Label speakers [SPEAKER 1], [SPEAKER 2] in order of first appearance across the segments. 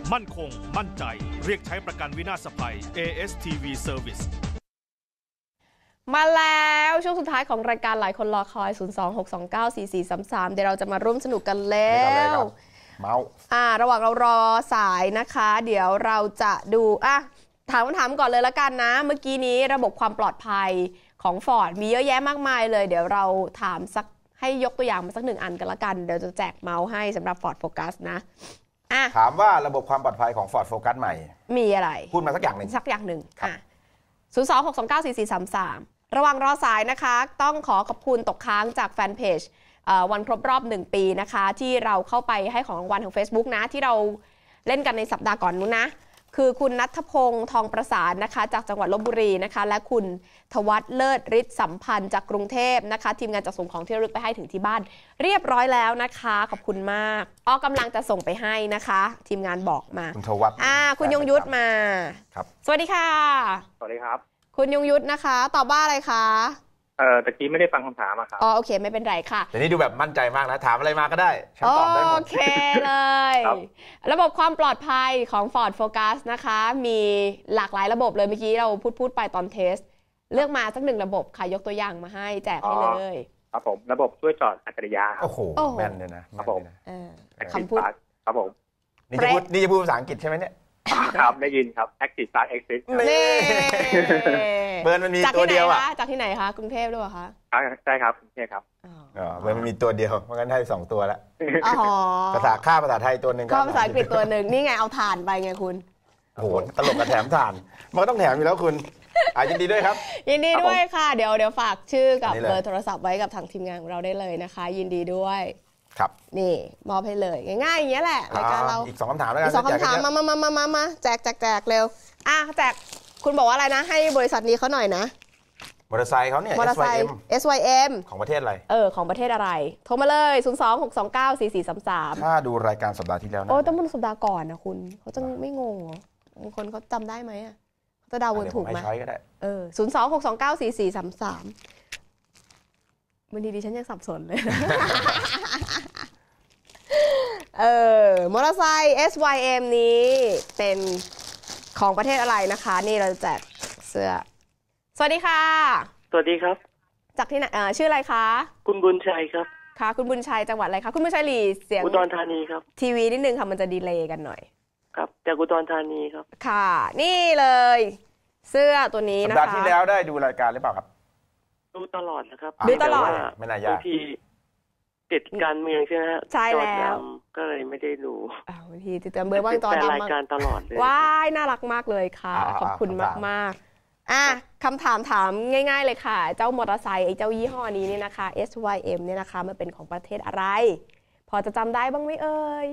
[SPEAKER 1] มั่นคงมั่นใจเรียกใช้ประกันวินาศภัย ASTV Service
[SPEAKER 2] มาแล้วช่วงสุดท้ายของรายการหลายคนรอคอย 026294433 เดี๋ยวเราจะมาร่วมสนุกกันแล้ว
[SPEAKER 3] เมาส์
[SPEAKER 2] ระหว่างเรารอสายนะคะเดี๋ยวเราจะดูถามคำถามก่อนเลยละกันนะเมื่อกี้นี้ระบบความปลอดภัยของ Ford มีเยอะแยะมากมายเลยเดี๋ยวเราถามสักให้ยกตัวอย่างมาสัก1 อันกันละกันเดี๋ยวจะแจกเมาส์ให้สำหรับ Ford Focus นะ
[SPEAKER 3] ถามว่าระบบความปลอดภัยของ Ford Focus ใหม่
[SPEAKER 2] มีอะไร
[SPEAKER 3] พูดมาสักอย่างหนึ่ง
[SPEAKER 2] 026294433ระหว่างรอสายนะคะต้องขอบคุณตกค้างจากแฟนเพจวันครบรอบ1 ปีนะคะที่เราเข้าไปให้ของรางวัลทาง Facebook นะที่เราเล่นกันในสัปดาห์ก่อนนู้นนะคือคุณณัฐพงษ์ทองประสานนะคะจากจังหวัดลพบุรีนะคะและคุณทวัฒน์เลิศฤทธิ์สัมพันธ์จากกรุงเทพนะคะทีมงานจะส่งของที่ระลึกไปให้ถึงที่บ้านเรียบร้อยแล้วนะคะขอบคุณมากกำลังจะส่งไปให้นะคะทีมงานบอกมา
[SPEAKER 3] คุณทวัฒน์
[SPEAKER 2] คุณยงยุทธมา
[SPEAKER 3] ครับ
[SPEAKER 2] สวัสดีค่ะ
[SPEAKER 4] สวัสดีครับ
[SPEAKER 2] คุณยงยุทธนะคะตอบว่าอะไรคะ
[SPEAKER 4] ตะกี้ไม่ได้ฟังคำถามครับ
[SPEAKER 2] โอเคไม่เป็นไรค่ะ
[SPEAKER 3] แต่นี่ดูแบบมั่นใจมากนะถามอะไรมาก็ได้ฉันตอบได้หมด
[SPEAKER 2] โอเคเลยระบบความปลอดภัยของ Ford Focus นะคะมีหลากหลายระบบเลยเมื่อกี้เราพูดไปตอนเทสเลือกมาสัก1 ระบบค่ะยกตัวอย่างมาให้แจกให้เลย
[SPEAKER 4] ครับผมระบบช่วยจอดอัจฉริยะ
[SPEAKER 3] โอ้โหแม่นเลยนะครับ
[SPEAKER 4] ผม
[SPEAKER 2] คำพูด
[SPEAKER 4] ครับผม
[SPEAKER 3] นี่จะพูดภาษาอังกฤษใช่ไหมเนี่ย
[SPEAKER 4] ครับได้ยินครับ Active Start Exit
[SPEAKER 2] นี่
[SPEAKER 3] เบอร์มันมีตัวเดียว
[SPEAKER 2] จากที่ไหนคะกรุงเทพหรือเปล่าคะ
[SPEAKER 4] ใช่ครับกรุงเทพครับ
[SPEAKER 3] เบอร์มันมีตัวเดียวเพราะงั้นให้2 ตัวแล้วภาษาไทยตัวหนึ่ง
[SPEAKER 2] ก็ภาษาอังกฤษตัวหนึ่งนี่ไงเอาถ่านไปไงคุณ
[SPEAKER 3] โอ้โหตลกกับแถมถ่านมันก็ต้องแถมอยู่แล้วคุณยินดีด้วยครับ
[SPEAKER 2] ยินดีด้วยค่ะเดี๋ยวฝากชื่อกับเบอร์โทรศัพท์ไว้กับทางทีมงานของเราได้เลยนะคะยินดีด้วย
[SPEAKER 3] ครับ
[SPEAKER 2] นี่มอบให้เลยง่ายๆอย่างเงี้ยแหละรายการเรา
[SPEAKER 3] อีก2 คำถามแล้วกัน
[SPEAKER 2] อีก2 คำถามมาแจกเร็วแจกคุณบอกว่าอะไรนะให้บริษัทนี้เขาหน่อยนะ
[SPEAKER 3] มอเตอร์ไซค์เขาเนี่ย
[SPEAKER 2] SYM
[SPEAKER 3] ของประเทศอะไร
[SPEAKER 2] ของประเทศอะไรโทรมาเลย026294433
[SPEAKER 3] ถ้าดูรายการสัปดาห์ที่แล้วนะ
[SPEAKER 2] ต้องเป็นสัปดาห์ก่อนนะคุณเขาจะไม่งงเหรอบางคนเขาจำได้ไหมเขาจะเดาวนถูกไหม026294433บางทีดิฉันยังสับสนเลยมอเตอร์ไซค์ SYM นี้เป็นของประเทศอะไรนะคะนี่เราแจกเสื้อสวัสดีค่ะ
[SPEAKER 5] สวัสดีครับ
[SPEAKER 2] จากที่ไหนชื่ออะไรคะ
[SPEAKER 5] คุณบุญชัยครับ
[SPEAKER 2] ค่ะคุณบุญชัยจังหวัดอะไรคะคุณบุญชัยหลีเสียง
[SPEAKER 5] อุดรธานีครับ
[SPEAKER 2] ทีวีนิดนึงค่ะมันจะดีเลย์กันหน่อย
[SPEAKER 5] ครับจากอุดรธานีครับ
[SPEAKER 2] ค่ะนี่เลยเสื้อตัวนี้นะคะ
[SPEAKER 3] สัปดาห์ที่แล้วได้ดูรายการหรือเปล่าครับ
[SPEAKER 5] ดูตลอดนะครับ
[SPEAKER 2] ดูตลอด
[SPEAKER 3] ไม่น่ายาก
[SPEAKER 5] ที่ติดการเมืองใช่ไหมฮะ
[SPEAKER 2] ใช่แล้ว
[SPEAKER 5] ก็เลยไม่ได้ดู
[SPEAKER 2] บางทีติดตามเบอร์บ้างตอน
[SPEAKER 5] ดำรายการตลอดเลย
[SPEAKER 2] ว้ายน่ารักมากเลยค่ะขอบคุณมากคำถามง่ายๆเลยค่ะเจ้ามอเตอร์ไซค์ไอ้เจ้ายี่ห้อนี้เนี่ยนะคะ SYM เนี่ยนะคะมันเป็นของประเทศอะไรพอจะจำได้บ้างไหมเอ่ย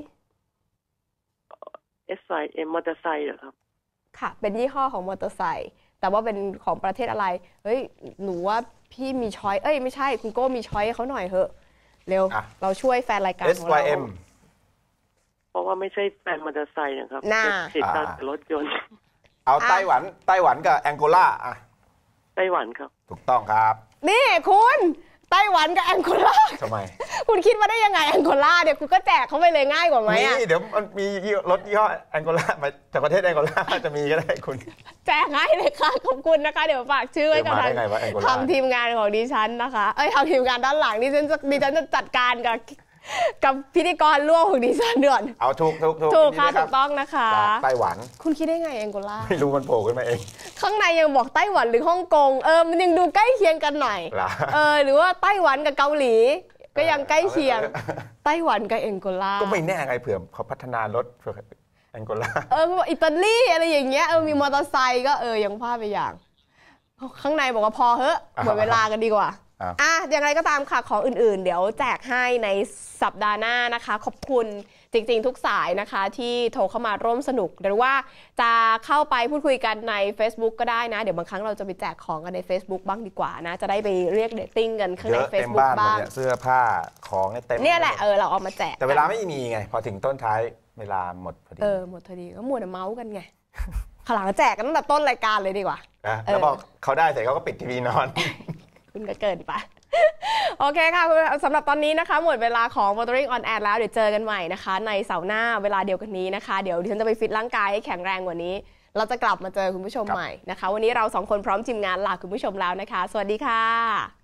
[SPEAKER 5] SYM มอเตอร์ไซค์เหรอครับ
[SPEAKER 2] ค่ะเป็นยี่ห้อของมอเตอร์ไซค์แต่ว่าเป็นของประเทศอะไรเฮ้ยหนูว่าพี่มีช้อยไม่ใช่คุณโก้มีช้อยเขาหน่อยเถอะเร็วเราช่วยแฟนรายการของเรา
[SPEAKER 3] SYM
[SPEAKER 5] เพราะว่าไม่ใช่แฟนมอเตอร์ไซค์นะครับติดการรถยนต์
[SPEAKER 3] เอาไต้หวันกับแองโกลา
[SPEAKER 5] ไต้หวันครับ
[SPEAKER 3] ถูกต้องครับ
[SPEAKER 2] นี่คุณไต้หวันกับแองโกลา
[SPEAKER 3] ทำไม
[SPEAKER 2] คุณคิดว่าได้ยังไงแองโกลาเนี่ยคุณก็แจกเขาไปเลยง่ายกว่าไหม
[SPEAKER 3] นี่เดี๋ยวมันมีรถยี่ห้อแองโกลามาจากประเทศแองโกลาจะมีก็ได้คุณ
[SPEAKER 2] แจกให้เลยค่ะขอบคุณนะคะเดี๋ยวฝากชื่อไว้กับทางทีมงานของดิฉันนะคะทางทีมงานด้านหลังดิฉันจะจัดการกับพิธีกรร่วมของดิฉันเดือน
[SPEAKER 3] เอาถูก
[SPEAKER 2] ค่ะถูกต้องนะคะ
[SPEAKER 3] ไต้หวัน
[SPEAKER 2] คุณคิดได้ไงแองโกลา
[SPEAKER 3] ไม่รู้มันโผล่ขึ้นมาเอง
[SPEAKER 2] ข้างในยังบอกไต้หวันหรือฮ่องกงมันยังดูใกล้เคียงกันหน่อยหรือว่าไต้หวันกับเกาหลีก็ยังใกล้เคียงไต้หวันกับแองโกลา
[SPEAKER 3] ก็ไม่แน่ไงเผื่อเขาพัฒนารถเผื่อแองโกลา
[SPEAKER 2] อิตาลีอะไรอย่างเงี้ยมีมอเตอร์ไซค์ก็ยังพลาดไปอย่างข้างในบอกว่าพอเฮ้ยหมดเวลากันดีกว่าอย่างไรก็ตามค่ะของอื่นๆเดี๋ยวแจกให้ในสัปดาห์หน้านะคะขอบคุณจริงๆทุกสายนะคะที่โทรเข้ามาร่วมสนุกหรือว่าจะเข้าไปพูดคุยกันใน Facebook ก็ได้นะเดี๋ยวบางครั้งเราจะไปแจกของกันใน Facebook บ้างดีกว่านะจะได้ไปเรียกเดทติ้งกันข้างใน Facebook บ้าง
[SPEAKER 3] เสื้อผ้าของเต็ม
[SPEAKER 2] เนี่ยแหละเราเอามาแจก
[SPEAKER 3] แต่เวลาไม่มีไงพอถึงต้นท้ายเวลาหมดพอดี
[SPEAKER 2] หมดพอดีก็มัวแต่เมาส์กันไงขลังแจกกันตั้งแต่ต้นรายการเลยดีกว่า
[SPEAKER 3] แล้วบอกเขาได้เสร็จเขาก็ปิดทีวีนอน
[SPEAKER 2] คุณก็เกินไปโอเคค่ะสำหรับตอนนี้นะคะหมดเวลาของ Motoring on Air แล้วเดี๋ยวเจอกันใหม่นะคะในเสาร์หน้าเวลาเดียวกันนี้นะคะเดี๋ยวดิฉันจะไปฟิตร่างกายให้แข็งแรงกว่านี้เราจะกลับมาเจอคุณผู้ชมใหม่นะคะวันนี้เรา2คนพร้อมทีมงานลาคุณผู้ชมแล้วนะคะสวัสดีค่ะ